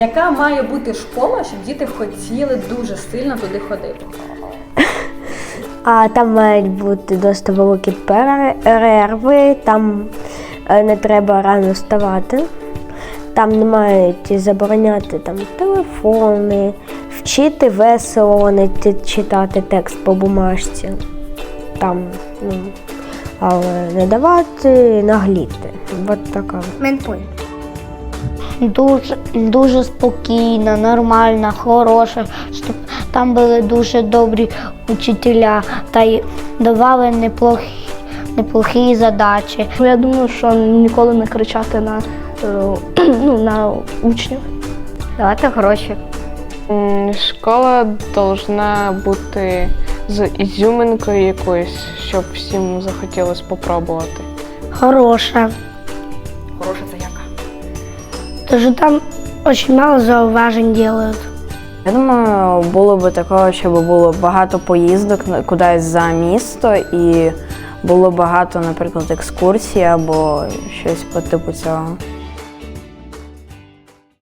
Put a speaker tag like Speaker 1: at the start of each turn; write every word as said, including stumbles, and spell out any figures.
Speaker 1: Яка має бути школа, щоб діти хотіли дуже сильно туди ходити?
Speaker 2: А там мають бути досить великі перерви, там не треба рано вставати, там не мають забороняти там, телефони, вчити весело, не читати текст по бумажці, там, ну, але не давати нагліти. От така.
Speaker 3: Менталь. Дуже, дуже спокійна, нормальна, хороша, щоб там були дуже добрі учителя та й давали неплохі, неплохі задачі.
Speaker 4: Я думаю, що ніколи не кричати на, ну, на учнів.
Speaker 3: Давати гроші.
Speaker 5: Школа повинна бути з ізюминкою якоюсь, щоб всім захотілося спробувати.
Speaker 3: Хороша.
Speaker 1: Хороша це яка?
Speaker 3: Тож там дуже мало зауважень роблять.
Speaker 6: Я думаю, було б такого, щоб було багато поїздок кудись за місто і було багато, наприклад, екскурсій або щось по типу цього.